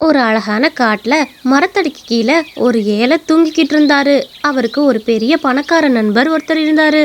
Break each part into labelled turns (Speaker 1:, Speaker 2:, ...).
Speaker 1: ஒரு அழகான காட்டுல மரத்தடிக்கு கீழே ஒரு ஏழை தூங்கிக்கிட்டு இருந்தாரு. அவருக்கு ஒரு பெரிய பணக்கார நண்பர் ஒருத்தர் இருந்தாரு.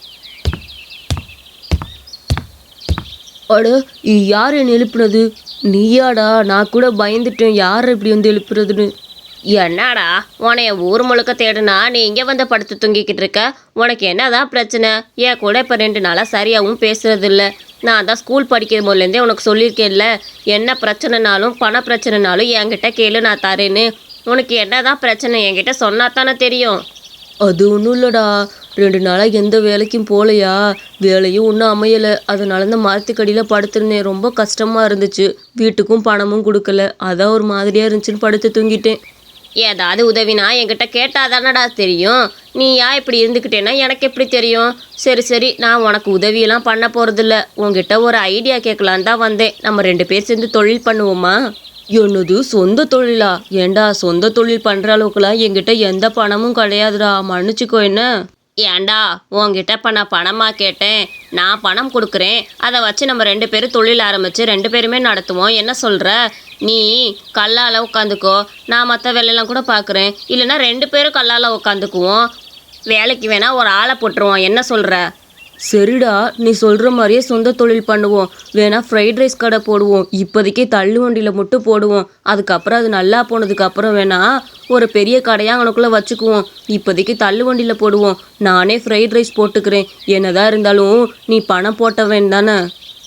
Speaker 2: அட, யார் என்ன எழுப்புனது? நீயாடா? நான் கூட பயந்துட்டேன், யார் இப்படி வந்து எழுப்புறதுன்னு.
Speaker 3: என்னடா உனைய ஊர் முழுக்க தேடுனா நீ இங்கே வந்து படுத்து தூங்கிக்கிட்டு இருக்க? உனக்கு என்னதான் பிரச்சனை? என் கூட இப்போ 2 நாளாக சரியாகவும் பேசுறது இல்லை. நான் தான் ஸ்கூல் படிக்கும் போதுலேருந்தே உனக்கு சொல்லியிருக்கேன்ல, என்ன பிரச்சனைனாலும் பண பிரச்சனைனாலும் என்கிட்ட கேளு, நான் தரேன்னு. உனக்கு என்னதான் பிரச்சனை என்கிட்ட சொன்னா தானே தெரியும்.
Speaker 2: அது ஒன்றும் இல்லைடா, 2 நாளாக எந்த வேலைக்கும் போகலையா, வேலையும் ஒன்றும் அமையலை. அதனால இந்த மரத்துக்கடியில் படுத்திருந்தேன். ரொம்ப கஷ்டமாக இருந்துச்சு. வீட்டுக்கும் பணமும் கொடுக்கல, அதான் ஒரு மாதிரியாக இருந்துச்சுன்னு படுத்து தூங்கிட்டேன்.
Speaker 3: ஏதாவது உதவினா என்கிட்ட கேட்டாதானடா தெரியும். நீ ஏன் இப்படி இருந்துக்கிட்டேன்னா எனக்கு எப்படி தெரியும்? சரி, நான் உனக்கு உதவியெல்லாம் பண்ண போகிறதில்ல. உங்ககிட்ட ஒரு ஐடியா கேட்கலான்னு தான் வந்தேன். நம்ம 2 பேர் சேர்ந்து தொழில் பண்ணுவோமா?
Speaker 2: என்னது, சொந்த தொழிலா? ஏண்டா, சொந்த தொழில் பண்ணுற அளவுக்குலாம் என்கிட்ட எந்த பணமும் கிடையாதுடா, மன்னிச்சிக்கோ என்ன.
Speaker 3: ஏண்டா, உங்ககிட்ட இப்போ நான் பணமாக கேட்டேன்? நான் பணம் கொடுக்குறேன், அதை வச்சு நம்ம 2 பேரும் தொழில் ஆரம்பித்து 2 பேருமே நடத்துவோம். என்ன சொல்கிற? நீ கல்லால் உட்காந்துக்கோ, நான் மற்ற வேலையெல்லாம் கூட பார்க்குறேன். இல்லைன்னா 2 பேரும் கல்லால் உட்காந்துக்குவோம். வேலைக்கு வேணால் ஒரு ஆளை போட்டுருவோம். என்ன சொல்கிற?
Speaker 2: சரிடா, நீ சொல்கிற மாதிரியே சொந்த தொழில் பண்ணுவோம். வேணா ஃப்ரைட் ரைஸ் கடை போடுவோம். இப்போதைக்கு தள்ளு வண்டியில் மட்டும் போடுவோம். அதுக்கப்புறம் அது நல்லா போனதுக்கப்புறம் வேணா ஒரு பெரிய கடையாக அவனுக்குள்ளே வச்சுக்குவோம். இப்போதைக்கு தள்ளு வண்டியில் போடுவோம். நானே ஃப்ரைட் ரைஸ் போட்டுக்கிறேன். என்னதான் இருந்தாலும் நீ பணம் போட்டவன் தானே.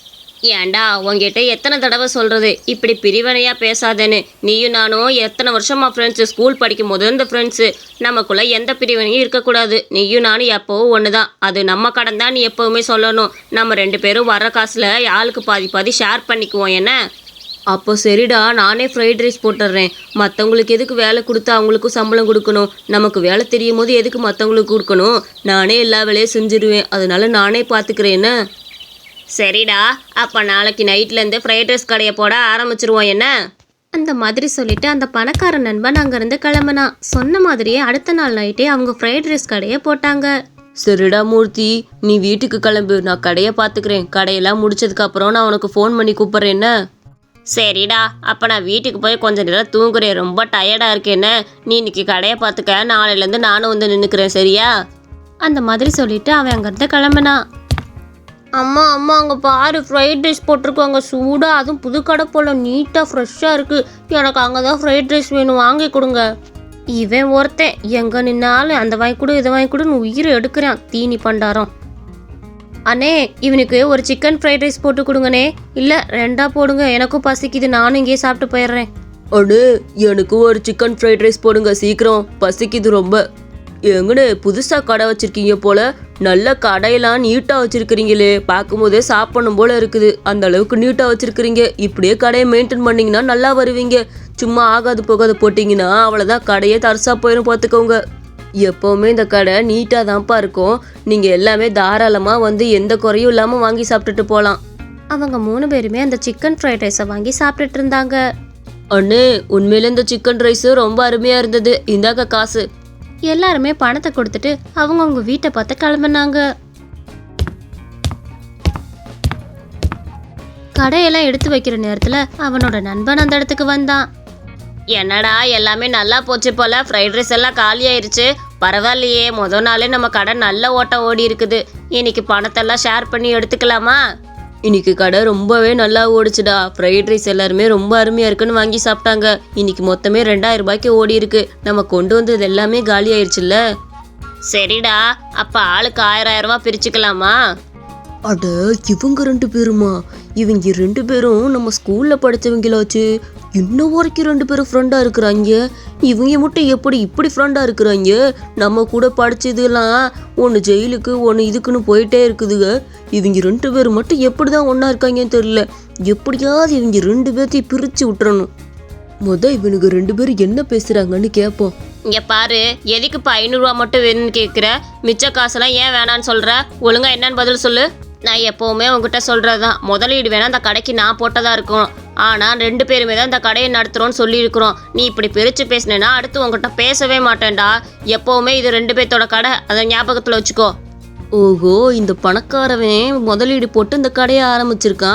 Speaker 3: ஏண்டா, உங்ககிட்ட எத்தனை தடவை சொல்கிறது இப்படி பிரிவினையாக பேசாதேன்னு? நீயும் நானும் எத்தனை வருஷமாக ஃப்ரெண்ட்ஸு, ஸ்கூல் படிக்கும் போது இந்த ஃப்ரெண்ட்ஸு. நமக்குள்ளே எந்த பிரிவினையும் இருக்கக்கூடாது. நீயும் நானும் எப்போவும் ஒன்று தான். அது நம்ம கடன் தான், நீ எப்போவுமே சொல்லணும். நம்ம 2 பேரும் வர காசில் ஆளுக்கு பாதி ஷேர் பண்ணிக்குவோம். என்ன?
Speaker 2: அப்போ சரிடா, நானே ஃப்ரைட் ரைஸ் போட்டுடுறேன். மற்றவங்களுக்கு எதுக்கு வேலை கொடுத்து அவங்களுக்கும் சம்பளம் கொடுக்கணும்? நமக்கு வேலை தெரியும் போது எதுக்கு மற்றவங்களுக்கு கொடுக்கணும்? நானே எல்லா வேலையும் செஞ்சுருவேன். அதனால நானே பார்த்துக்கிறேன். என்ன?
Speaker 3: சரிடா, அப்போ நாளைக்கு நைட்லேருந்து ஃப்ரைட் ரைஸ் கடையை போட ஆரம்பிச்சிருவோம். என்ன?
Speaker 1: அந்த மாதிரி சொல்லிட்டு அந்த பணக்கார நண்பன் அங்கேருந்து கிளம்புனான். சொன்ன மாதிரியே அடுத்த நாள் நைட்டே அவங்க ஃப்ரைட் ரைஸ் கடையை போட்டாங்க.
Speaker 2: சரிடா மூர்த்தி, நீ வீட்டுக்கு கிளம்பு, நான் கடையை பார்த்துக்கிறேன். கடையெல்லாம் முடிச்சதுக்கப்புறம் நான் உனக்கு ஃபோன் பண்ணி கூப்பிட்றேன். என்ன?
Speaker 3: சரிடா, அப்போ நான் வீட்டுக்கு போய் கொஞ்சம் நேரம் தூங்குறேன். ரொம்ப டயர்டாக இருக்கேன்னு. நீ இன்னைக்கு கடையை பார்த்துக்க, நாளையிலேருந்து நானும் வந்து நின்றுக்கிறேன். சரியா?
Speaker 1: அந்த மாதிரி சொல்லிட்டு அவன் அங்கேருந்து கிளம்புனான்.
Speaker 3: அம்மா அங்கே பாரு, ஃப்ரைட் ரைஸ் போட்டிருக்காங்க சூடாக. அதுவும் புது கடை போல் நீட்டாக ஃப்ரெஷ்ஷாக இருக்குது. எனக்கு அங்கே தான் ஃப்ரைட் ரைஸ் வேணும், வாங்கி கொடுங்க.
Speaker 1: இவன் ஒருத்தன் எங்கே நின்னாலும் அந்த வாங்கி கொடு இதை வாங்கி கொடுன்னு உயிரை எடுக்கிறான், தீனி பண்டாரம். அண்ணே, இவனுக்கு ஒரு சிக்கன் ஃப்ரைட் ரைஸ் போட்டு கொடுங்கண்ணே. இல்லை 2ஆ போடுங்க, எனக்கும் பசிக்குது, நானும் இங்கேயே சாப்பிட்டு போயிடுறேன்.
Speaker 2: அண்ணே, எனக்கு ஒரு சிக்கன் ஃப்ரைட் ரைஸ் போடுங்க சீக்கிரம், பசிக்குது ரொம்ப. எங்கண்ணே, புதுசாக கடை வச்சுருக்கீங்க போல். நல்ல கடையெல்லாம் நீட்டாக வச்சுருக்கிறீங்களே, பார்க்கும்போதே சாப்பிடணும் போல் இருக்குது. அந்த அளவுக்கு நீட்டாக வச்சுருக்கிறீங்க. இப்படியே கடையை மெயின்டைன் பண்ணிங்கன்னா நல்லா வருவீங்க. சும்மா ஆகாது போகாது போட்டிங்கன்னா அவ்வளோதான், கடையே தரிசா போயிடும் பார்த்துக்கோங்க. எப்போவுமே இந்த கடை நீட்டாக தான்ப்பா இருக்கும். நீங்கள் எல்லாமே தாராளமாக வந்து எந்த குறையும் இல்லாமல் வாங்கி சாப்பிட்டுட்டு போகலாம்.
Speaker 1: அவங்க 3 பேருமே அந்த சிக்கன் ஃப்ரைட் ரைஸை வாங்கி சாப்பிட்டுட்டு இருந்தாங்க.
Speaker 2: அண்ணே, உண்மையில இந்த சிக்கன் ரைஸு ரொம்ப அருமையாக இருந்தது. இந்தாக்க காசு.
Speaker 1: எல்லாருமே பணத்தை கொடுத்துட்டு அவங்கவுங்க வீட்டை பார்த்து கிளம்புனாங்க. கடையெல்லாம் எடுத்து வைக்கிற நேரத்தில் அவனோட நண்பன் அந்த இடத்துக்கு வந்தான்.
Speaker 3: என்னடா, எல்லாமே நல்லா போச்சு போல். ஃப்ரைட் ரைஸ் எல்லாம் காலி ஆயிடுச்சு. பரவாயில்லையே, மொதல் நாளே நம்ம கடை நல்ல ஓட்டம் ஓடி இருக்குது. இன்னைக்கு பணத்தெல்லாம் ஷேர் பண்ணி எடுத்துக்கலாமா?
Speaker 2: இன்னைக்கு கடை ரொம்பவே நல்லா ஓடிச்சுடா. ஃப்ரைட் ரைஸ் எல்லாருமே ரொம்ப அருமையாக இருக்குன்னு வாங்கி சாப்பிட்டாங்க. இன்னைக்கு மொத்தமே 2000 ரூபாய்க்கு ஓடி இருக்கு. நம்ம கொண்டு வந்தது எல்லாமே காலி ஆயிடுச்சுல்ல.
Speaker 3: சரிடா, அப்போ ஆளுக்கு 1000 ரூபா பிரிச்சுக்கலாமா?
Speaker 2: அட, இவங்க 2 பேருமா? இவங்க 2 பேரும் நம்ம ஸ்கூலில் படித்தவங்களாச்சு. இன்னும் வரைக்கும் 2 பேரும் ஃப்ரெண்டாக இருக்கிறாங்க. இவங்க மட்டும் எப்படி இப்படி ஃப்ரெண்டாக இருக்கிறாங்க? நம்ம கூட படித்ததுலாம் ஒன்று ஜெயிலுக்கு ஒன்று இதுக்குன்னு போயிட்டே இருக்குதுங்க. இவங்க 2 பேரும் மட்டும் எப்படி தான் ஒன்றா இருக்காங்கன்னு தெரியல. எப்படியாவது இவங்க 2 பேர்த்தையும் பிரித்து விட்டுறணும். இவனுக்கு 2 பேரும் என்ன பேசுகிறாங்கன்னு கேட்போம்.
Speaker 3: இங்கே பாரு, எதுக்கு இப்போ 500 ரூபா மட்டும் வேணும்னு கேட்குற? மிச்ச காசெல்லாம் ஏன் வேணான்னு சொல்கிற? ஒழுங்கா என்னன்னு பதில் சொல்லு. நான் எப்போவுமே உங்ககிட்ட சொல்கிறது தான், முதலீடு வேணால் அந்த கடைக்கு நான் போட்டதாக இருக்கும். ஆனால் 2 பேருமே தான் இந்த கடையை நடத்துகிறோன்னு சொல்லியிருக்கிறோம். நீ இப்படி பிரித்து பேசினேன்னா அடுத்து உங்ககிட்ட பேசவே மாட்டேன்டா. எப்போவுமே இது 2 பேர்த்தோட கடை, அதை ஞாபகத்தில் வச்சுக்கோ.
Speaker 2: ஓஹோ, இந்த பணக்காரவன் முதலீடு போட்டு இந்த கடையை ஆரம்பிச்சிருக்கான்.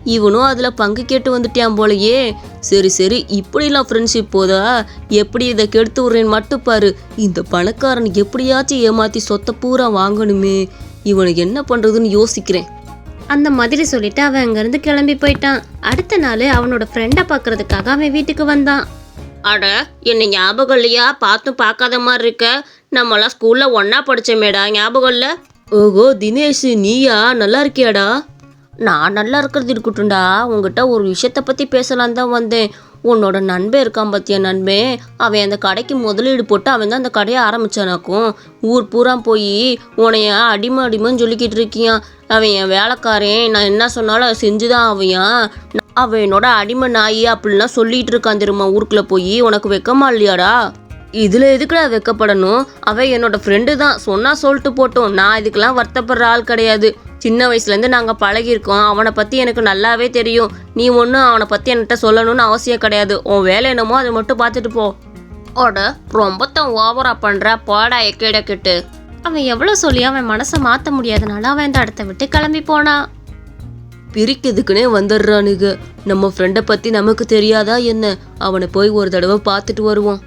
Speaker 2: இவனும் அதில் பங்கு கேட்டு வந்துட்டான் போலயே. சரி சரி, இப்படிலாம் ஃப்ரெண்ட்ஷிப் போதா? எப்படி இதை கெடுத்து விட்றேன்னு மட்டும் பாரு. இந்த பணக்காரன் எப்படியாச்சும் ஏமாற்றி சொத்தை பூரா வாங்கணுமே. இவனுக்கு என்ன பண்ணுறதுன்னு யோசிக்கிறேன்.
Speaker 1: அந்த மாதிரி சொல்லிட்டு அவன் அங்கேருந்து கிளம்பி போயிட்டான். அடுத்த நாள் அவனோட ஃப்ரெண்டை பார்க்கறதுக்காக அவன் வீட்டுக்கு வந்தான்.
Speaker 3: அட, என்ன ஞாபகம் இல்லையா? பார்த்தும் பார்க்காத மாதிரி இருக்க. நம்மளாம் ஸ்கூலில் ஒன்றா படித்தோமேடா, ஞாபகம் இல்லை?
Speaker 2: ஓஹோ தினேஷ், நீயா? நல்லா இருக்கியாடா?
Speaker 3: நான் நல்லா இருக்கிறது இருக்கட்டும்டா, உங்ககிட்ட ஒரு விஷயத்தை பற்றி பேசலான் தான் வந்தேன். உன்னோட நண்பன் இருக்கான் பார்த்தியா, நண்பன். அவன் அந்த கடைக்கு முதலீடு போட்டு அவன் தான் அந்த கடையை ஆரம்பித்தானாக்கும். ஊர் பூரா போய் உனைய அடிமைன்னு சொல்லிக்கிட்டு இருக்கியான். அவன் என் வேலைக்காரன், நான் என்ன சொன்னாலும் அதை செஞ்சுதான் அவன் என்னோட அடிமை நாயி அப்படின்லாம் சொல்லிட்டு இருக்கான் தெரியுமா ஊருக்குள்ளே போய். உனக்கு வெக்கமா இல்லையாடா?
Speaker 2: இதில் எதுக்குடா வெக்கப்படணும்? அவன் என்னோட ஃப்ரெண்டு தான், சொன்னால் சொல்லிட்டு போட்டோம். நான் இதுக்கெல்லாம் வருத்தப்படுற ஆள் கிடையாது. சின்ன வயசுலேருந்து நாங்கள் பழகியிருக்கோம். அவனை பற்றி எனக்கு நல்லாவே தெரியும். நீ ஒன்றும் அவனை பற்றி என்கிட்ட சொல்லணும்னு அவசியம் கிடையாது. உன் வேலை என்னமோ அதை மட்டும் பார்த்துட்டு போ.
Speaker 3: ஓட ரொம்பத்தான் ஓவரா பண்ணுற, போடா எக்கேடக்கிட்டு.
Speaker 1: அவன் எவ்வளோ சொல்லி அவன் மனசை மாற்ற முடியாதனால அவன் அந்த இடத்த விட்டு கிளம்பி போனான்.
Speaker 2: பிரிக்கிறதுக்குனே வந்துடுறானுங்க. நம்ம ஃப்ரெண்டை பற்றி நமக்கு தெரியாதா என்ன? அவனை போய் ஒரு தடவை பார்த்துட்டு வருவோம்.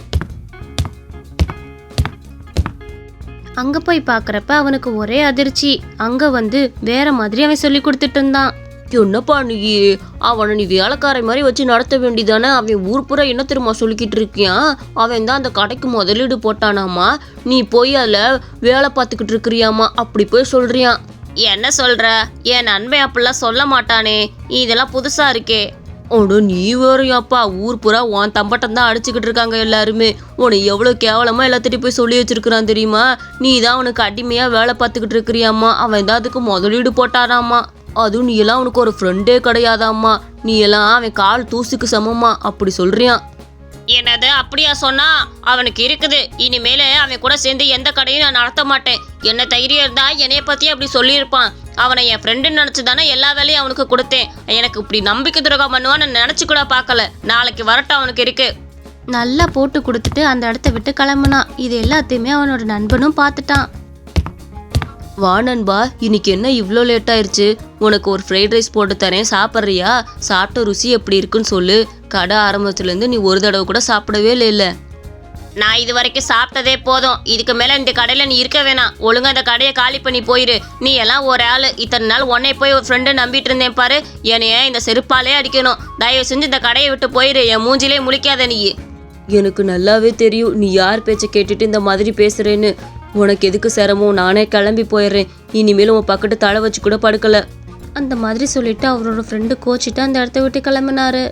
Speaker 1: அங்கே போய் பார்க்குறப்ப அவனுக்கு ஒரே அதிர்ச்சி. அங்கே வந்து வேற மாதிரி அவன் சொல்லி கொடுத்துட்டு இருந்தான்.
Speaker 2: என்னப்பா நீ? அவனை நீ வேலைக்காரை மாதிரி வச்சு நடத்த வேண்டியதானே? அவன் ஊர் பூரா என்ன தெரியுமா சொல்லிக்கிட்டு இருக்கியான்? அவன் தான் அந்த கடைக்கு முதலீடு போட்டானாமா. நீ போய் அதில் வேலை பார்த்துக்கிட்டு இருக்கிறியாமா. அப்படி போய் சொல்றியான்.
Speaker 3: என்ன சொல்ற? என் நண்பன் அப்படிலாம் சொல்ல மாட்டானே. இதெல்லாம் புதுசா இருக்கே.
Speaker 2: ஓட நீ வேறையாப்பா, ஊர் பூரா உன் தம்பட்டம் தான் அடிச்சுக்கிட்டு இருக்காங்க எல்லாருமே. உன்னை எவ்வளோ கேவலமாக எல்லாத்திட்டையும் போய் சொல்லி வச்சிருக்கிறான் தெரியுமா? நீ தான் அவனுக்கு அடிமையாக வேலை பார்த்துக்கிட்டு இருக்கிறியாம்மா. அவன் தான் அதுக்கு முதலீடு போட்டாராம்மா. அதுவும் நீ எல்லாம் அவனுக்கு ஒரு ஃப்ரெண்டே கிடையாதாம்மா. நீ எல்லாம் அவன் கால் தூசுக்கு சமமா அப்படி சொல்றியான்.
Speaker 3: என்னது அப்படியா சொன்னா? அவனுக்கு இருக்குது. இனிமேல அவன் கூட சேர்ந்து எந்த கடையும் நான் நடத்த மாட்டேன். என்ன தைரியம் இருந்தா என்னைய பத்தி அப்படி சொல்லியிருப்பான். அவனை என் ஃப்ரெண்டுன்னு நினச்சி தானே எல்லா வேலையும் அவனுக்கு கொடுத்தேன். எனக்கு இப்படி நம்பிக்கை துரோகம் பண்ணுவான்னு நினச்சி கூட பார்க்கல. நாளைக்கு வரட்டும் அவனுக்கு இருக்கு.
Speaker 1: நல்லா போட்டு கொடுத்துட்டு அந்த இடத்த விட்டு கிளம்புனான். இது எல்லாத்தையுமே அவனோட நண்பனும் பார்த்துட்டான்.
Speaker 2: வா நண்பா, இன்னைக்கு என்ன இவ்வளோ லேட் ஆயிடுச்சு? உனக்கு ஒரு ஃப்ரைட் ரைஸ் போட்டு தரேன், சாப்பிட்றியா? சாப்பிட்ட ருசி எப்படி இருக்குன்னு சொல்லு. கடை ஆரம்பத்துலேருந்து நீ ஒரு தடவை கூட சாப்பிடவே இல்லை.
Speaker 3: நான் இது வரைக்கும் சாப்பிட்டதே போதும். இதுக்கு மேலே இந்த கடையில் நீ இருக்க வேணாம். ஒழுங்கா இந்த கடையை காலி பண்ணி போயிரு. நீ எல்லாம் ஒரு ஆள். இத்தனை நாள் உன்னை போய் ஒரு ஃப்ரெண்டு நம்பிட்டு இருந்தேன் பாரு. என்னைய இந்த செருப்பாலே அடிக்கணும். தயவு செஞ்சு இந்த கடையை விட்டு போயிரு. என் மூஞ்சிலே முழிக்காத நீ.
Speaker 2: எனக்கு நல்லாவே தெரியும் நீ யார் பேச்சை கேட்டுட்டு இந்த மாதிரி பேசுறேன்னு. உனக்கு எதுக்கு சிரமம்? நானே கிளம்பி போயிடுறேன். இனிமேல் உன் பக்கத்து தலை வச்சு கூட படுக்கல.
Speaker 1: அந்த மாதிரி சொல்லிட்டு அவரோட ஃப்ரெண்டு கோச்சிட்டு அந்த இடத்த விட்டு கிளம்பினாரு.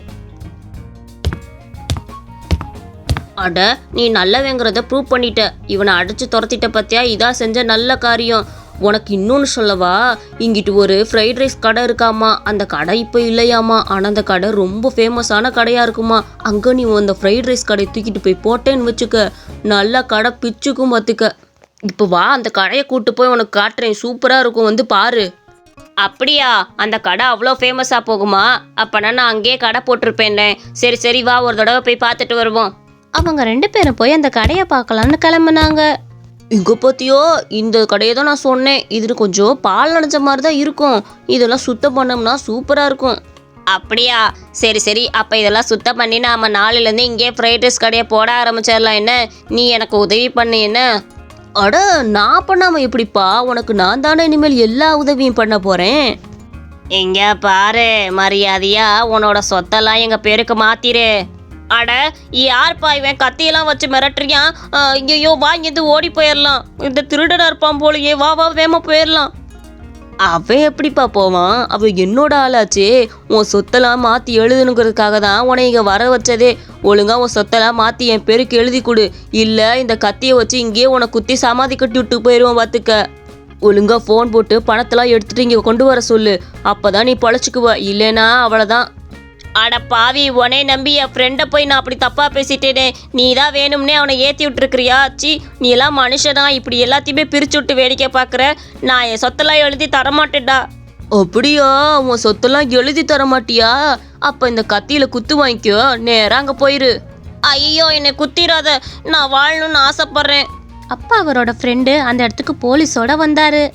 Speaker 3: அட, நீ நல்லவங்கிறத ப்ரூவ் பண்ணிட்ட. இவனை அடிச்சு துரத்திட்ட பத்தியா? இதான் செஞ்ச நல்ல காரியம்.
Speaker 2: உனக்கு இன்னொன்று சொல்லவா? இங்கிட்டு ஒரு ஃப்ரைட் ரைஸ் கடை இருக்காமா. அந்த கடை இப்போ இல்லையாமா. ஆனால் அந்த கடை ரொம்ப ஃபேமஸான கடையாக இருக்குமா. அங்கே நீ அந்த ஃப்ரைட் ரைஸ் கடையை தூக்கிட்டு போய் போட்டேன்னு வச்சுக்க, நல்லா கடை பிச்சுக்கும் பார்த்துக்க. இப்போ வா, அந்த கடையை கூட்டு போய் உனக்கு காட்டுறேன். சூப்பராக இருக்கும், வந்து பாரு.
Speaker 3: அப்படியா? அந்த கடை அவ்வளோ ஃபேமஸாக போகுமா? அப்போனா நான் அங்கேயே கடை போட்டிருப்பேன்ல. சரி சரி, வா ஒரு தடவை போய் பார்த்துட்டு வருவோம்.
Speaker 1: அவங்க 2 பேரும் போய் அந்த கடையை பார்க்கலான்னு கிளம்புனாங்க.
Speaker 2: இங்கே பார்த்தியோ, இந்த கடையை தான் நான் சொன்னேன். இது கொஞ்சம் பால் நனைஞ்ச மாதிரி தான் இருக்கும். இதெல்லாம் சுத்தம் பண்ணோம்னா சூப்பராக இருக்கும்.
Speaker 3: அப்படியா? சரி சரி, அப்போ இதெல்லாம் சுத்தம் பண்ணி நாம் நாளையிலேருந்து இங்கே ஃப்ரைட் ரைஸ் கடையை போட ஆரம்பிச்சிடலாம். என்ன, நீ எனக்கு உதவி பண்ணு. என்ன?
Speaker 2: அட, நான் பண்ணாமல் எப்படிப்பா? உனக்கு நான் தானே இனிமேல் எல்லா உதவியும் பண்ண போகிறேன்.
Speaker 3: எங்க பாரு, மரியாதையா உன்னோட சொத்தெல்லாம் எங்கள் பேருக்கு மாத்திரு. அட, யார்ப்பா இவன்? கத்தியெல்லாம் வச்சு மிரட்டுறியான். ஐயோ, வா இங்கேருந்து ஓடி போயிடலாம். இந்த திருடனாக இருப்பான் போலயே. வா வா வேகமாக போயிடலாம்.
Speaker 2: அவன் எப்படிப்பா போவான்? அவன் என்னோட ஆளாச்சே. உன் சொத்தெல்லாம் மாற்றி எழுதணுங்கிறதுக்காக தான் உன்னை இங்கே வர வச்சதே. ஒழுங்கா உன் சொத்தெல்லாம் மாற்றி என் பேருக்கு எழுதி கொடு. இல்லை இந்த கத்தியை வச்சு இங்கேயே உன்னை குத்தி சமாதி கட்டி விட்டு போயிடுவோன் பார்த்துக்க. ஒழுங்கா ஃபோன் போட்டு பணத்தெல்லாம் எடுத்துகிட்டு இங்கே கொண்டு வர சொல்லு. அப்போ தான் நீ பழச்சிக்குவ. இல்லைனா அவ்வளோதான்.
Speaker 3: அட பாவி, உனே நம்பி என் ஃப்ரெண்டை போய் நான் அப்படி தப்பாக பேசிட்டேனே. நீ தான் வேணும்னே அவனை ஏற்றி விட்டுருக்கிறியா? சி, நீ எல்லாம் மனுஷனா? இப்படி எல்லாத்தையுமே பிரித்து விட்டு வேடிக்கை பார்க்குற. நான் என் சொத்தெல்லாம் எழுதி தரமாட்டேன்டா.
Speaker 2: அப்படியா? உன் சொத்தெல்லாம் எழுதி தர மாட்டியா? அப்போ இந்த கத்தியில் குத்து வாங்கிக்கோ, நேராக அங்கே போயிரு.
Speaker 3: ஐயோ, என்னை குத்திராத. நான் வாழணும்னு ஆசைப்பட்றேன்.
Speaker 1: அப்பா அவரோட ஃப்ரெண்டு அந்த இடத்துக்கு போலீஸோட வந்தாரு.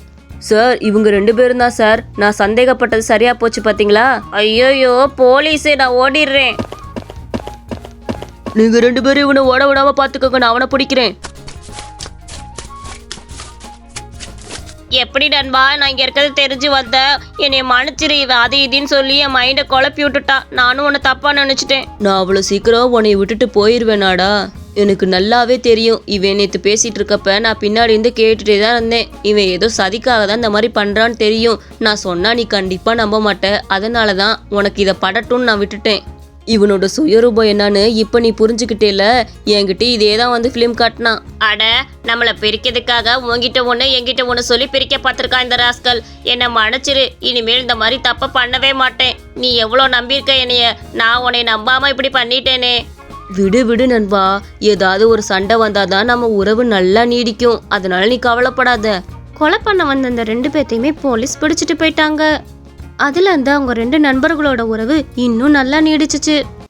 Speaker 2: சார் இவங்க 2 பேரும் தான் சார். நான் சந்தேகப்பட்டது சரியா போச்சு பாத்தீங்களா?
Speaker 3: ஐயோயோ போலீஸு, நான் ஓடிடுறேன்.
Speaker 2: நீங்க 2 பேரும் இவனை ஓட விடாம பாத்துக்கோங்க, நான் அவனை பிடிக்கிறேன்.
Speaker 3: எப்படி நண்பா, நான் இங்கே இருக்கிறது தெரிஞ்சு வந்தேன். என்னை மன்னிச்சிரு, இவன் அது இதுன்னு சொல்லி என் மைண்டை குழப்பி விட்டுட்டான். நானும் உன்னை தப்பா நினச்சிட்டேன்.
Speaker 2: நான் அவ்வளோ சீக்கிரம் உன்னை விட்டுட்டு போயிடுவேனாடா? எனக்கு நல்லாவே தெரியும். இவன் நேற்று பேசிட்டு இருக்கப்ப நான் பின்னாடி இருந்து கேட்டுட்டே தான் இருந்தேன். இவன் ஏதோ சதிக்காக தான் இந்த மாதிரி பண்றான்னு தெரியும். நான் சொன்னா நீ கண்டிப்பா நம்ப மாட்ட. அதனால தான் உனக்கு இதை படட்டும்னு நான் விட்டுட்டேன். இவனோட சுயரூபம் என்னன்னு இப்போ நீ புரிஞ்சுக்கிட்டேல. என்கிட்ட இதே தான் வந்து ஃபிலிம் காட்டினான்.
Speaker 3: அட, நம்மளை பிரிக்கிறதுக்காக உங்ககிட்ட ஒன்று என்கிட்ட ஒன்று சொல்லி பிரிக்க பார்த்துருக்கான் இந்த ராஸ்கல். என்னை மன்னிச்சிரு, இனிமேல் இந்த மாதிரி தப்பை பண்ணவே மாட்டேன். நீ எவ்வளோ நம்பியிருக்க என்னைய, நான் உன்னை நம்பாமல் இப்படி பண்ணிட்டேனே.
Speaker 2: விடு விடு நண்பா, ஏதாவது ஒரு சண்டை வந்தாதான் நம்ம உறவு நல்லா நீடிக்கும். அதனால நீ கவலைப்படாத.
Speaker 1: கொலை பண்ண வந்த அந்த 2 பேத்தையுமே போலீஸ் பிடிச்சிட்டு போயிட்டாங்க. அதுல இருந்து அவங்க 2 நண்பர்களோட உறவு இன்னும் நல்லா நீடிச்சுச்சு.